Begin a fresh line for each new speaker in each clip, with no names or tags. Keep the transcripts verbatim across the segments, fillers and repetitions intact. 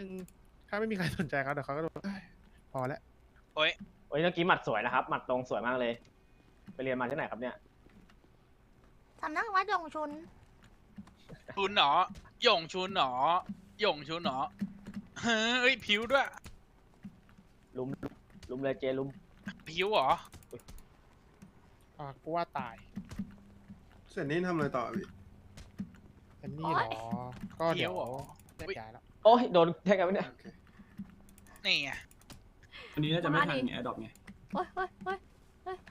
นึงถ้าไม่มีใครสนใจเขาเดี๋ยวเขาก็โดนพอแล้ว
โอ้ย
โอ้ยเมื่อกี้หมัดสวยนะครับหมัดตรงสวยมากเลยไปเรียนมาที่ไหนครับเนี่ย
สำนักวัดยงชุน
ชุนหนอหย่งชุนหนอหย่งชุนหนอเฮ้ยผิวด้วย
ลุมลุมเลยเจลุม
ผิวเหรอ
อ่ะกูว่าตาย
เสร็จนี้ทำอะไรต่อพี่
อันนี้เหรอก็เดี๋ยวแยกย้ายแล้ว
โอ้ยโดนแทงกันไหมเนี่ย
โอเค
นี่ไง
อันนี้น่าจะไม่ทันไงแอดดอปไง
โอ้ยโอ้ยโอ้ยโอ้ย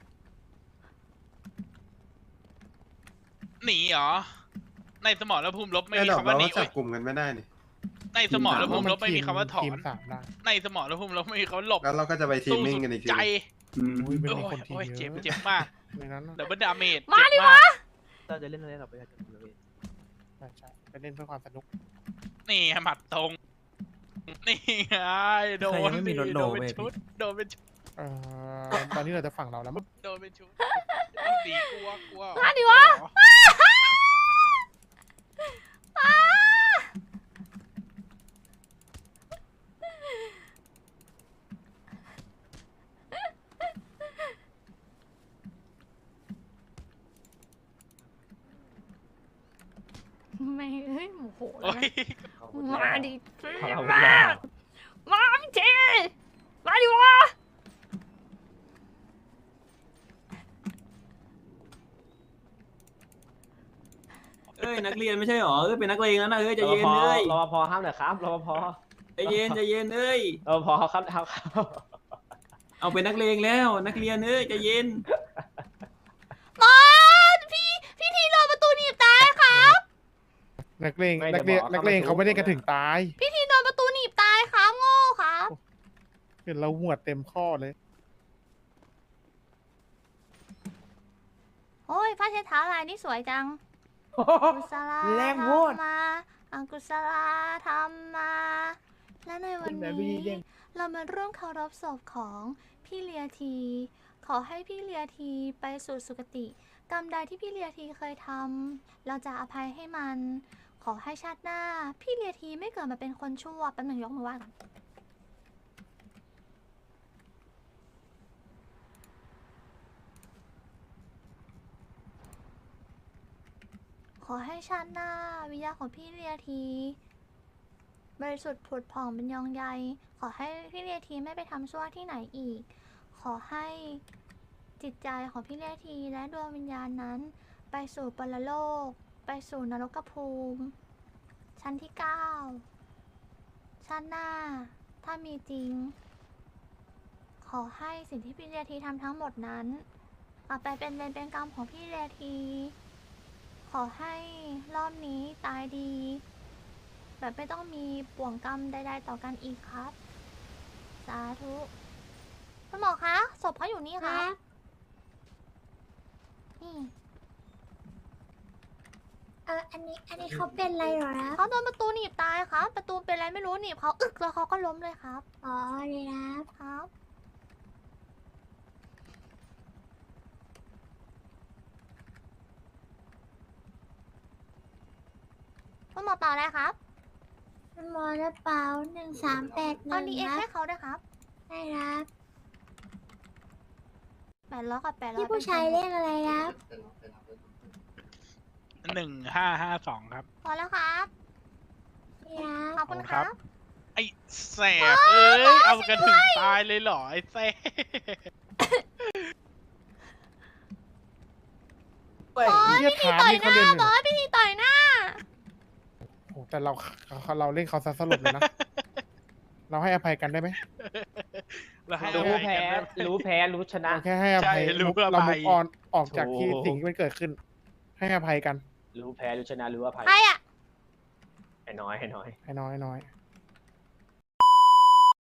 หนีเหรอในสมรภูมิลบไม่
แอด
มี
ดอก
คำว่า
เรา
หนี
ก็จับกลุ่มกันไม่ได้นี่
ในสมรภูมิลบไม่มีคำว่าถอ
ที
น
มสามได้
ในสมรภูมิลบไม่มีคำว่าหลบ
แล้วเราก็จะไปทีม
สู้
มิ่ง
สุด
กันอีกที
ใจ
อืม
อุ้ยเป็น
โอ้
คน
ย
ที
โอ้ย
เย
เจ็บ
อะ
เจ็บมาก
ในนั้น
ดับเบิลดาเมจ
มาดิ
เจ็บมาก
เราจะเล่นอะไรต่อไปกันเลย
ใช่ใช่ไปเล่นเพื่อความสนุก
นี่ไงหมัดตรง นี่ไงโดนดิโดนเป็นชุดโดนเป็นชุด
เอ่อตอนนี้เราจะฝั่งเราแล้วมั้ง
โดนเป็นชุดเอาดีกลัวกลัว
มาดิวะ ไม่เอ้ยโมโหแล้
โอ้
วย นะมาดิเจ
เอา
มา
เอา
มาพี่เจมาดิวะ
เอ้ยนักเรียนไม่ใช่หรอเอ้ยเป็นนักเลงแล้วนะเอ้ยใจ
รป
เย็น
ภ
เอ้ย
รปภห้ามหน่อยครับรปภ
ใจเย็นใจเย็นเอ้ย
รปภเขาครับเขาครับ
เอาเป็นนักเลงแล้วนักเรียนเอ้ยใจเย็น
มาพี่พี่ทีโดนประตูหนีบตายครับ
นักเลงนักเลงนักเลงเขาไม่ได้กระถึงตาย
พี่ทีโดนประตูหนีบตายครับโง่ครับ
เห็นเราหวดเต็มข้อเลย
โอ้ยผ้าเช็ดเท้าลายนี่สวยจังกุศลา
แรงโพด
ธรรมาอังกุศลาธรรมา และในวันนี้ เรามาร่วมเคารพศพของพี่เลียที ขอให้พี่เลียทีไปสู่สุคติ กรรมใดที่พี่เลียทีเคยทำเราจะอภัยให้มัน ขอให้ชาติหน้า พี่เลียทีไม่เกิดมาเป็นคนชั่วแป๊บหนึงยกมือไหว้ก่อนขอให้ชาติหน้าวิญญาณของพี่เลียที บริสุทธิ์ผุดผ่องเป็นยองใย ขอให้พี่เลียทีไม่ไปทำชั่วที่ไหนอีก ขอให้จิตใจของพี่เลียทีและดวงวิญญาณนั้น ไปสู่ปรโลก ไปสู่นรกภูมิ ชั้นที่เก้าชาติหน้า ถ้ามีจริง ขอให้สิ่งที่พี่เลียทีทำทั้งหมดนั้นกลับไปเป็นเวรเป็นกรรมของพี่เลียที ขอให้รอบนี้ตายดี แบบไม่ต้องมีป่วงกรรมใดๆต่อกันอีกครับ สาธุคุณหมอคะศพเขาอยู่นี่ครับ นี่
เอออันนี้อันนี้เขาเป็นอะไรเหรอครับ
เขาโดนประตูหนีบตายครับ ประตูเป็นอะไรไม่รู้หนีบเขาอึกแล้วเขาก็ล้มเลยครับ
อ๋อเลยนะครับ
ครับคุณหมอต่ออะไรครับ
มันมอระเป๋าหนึ่งสามแปดห
เอา
นึ่ง
ดีเอ็ก
ครั
ให้
บ
เขาด้วยครับ
ได้ครับ
แปดร้อยกับแปดร้อย
พี่ผู้ชายเรียกอะไรครับ
หนึ่งห้าห้าสองครับ
พอแล้วครับ
นี่ครับ
ขอบคุณครับ
ไอ้แสบเอ้ยเอากันถึงตายเลยเหรอไอ้แสบ
บอส
เหี้ย
พี่ที
ถาม
ต่อย
นี่
ห
เขา
น้า
เล่นเลย
บอสพี่ทีต่อยหน้า
โอ้แต่เราเราเล่นเขาซะสลบเลยนะ เราให้อภัยกันได้ไหม
แล้วให้
รู้
อภัย
แพ้
กันด้วย
รู้แพ้รู้ชนะ
เราแค่ให้อภัย
ใช่รู้
เรา
อภั
มุ
ย
กออนออกจากที่
โถ่
สิ่งที่มันเกิดขึ้น ให้อภัยกัน
รู้แพ้รู้ชนะรู้อภัย
ใครอ่ะ
ไอ้น้อยไอ้น้อย
ให้น้อยให้น้อย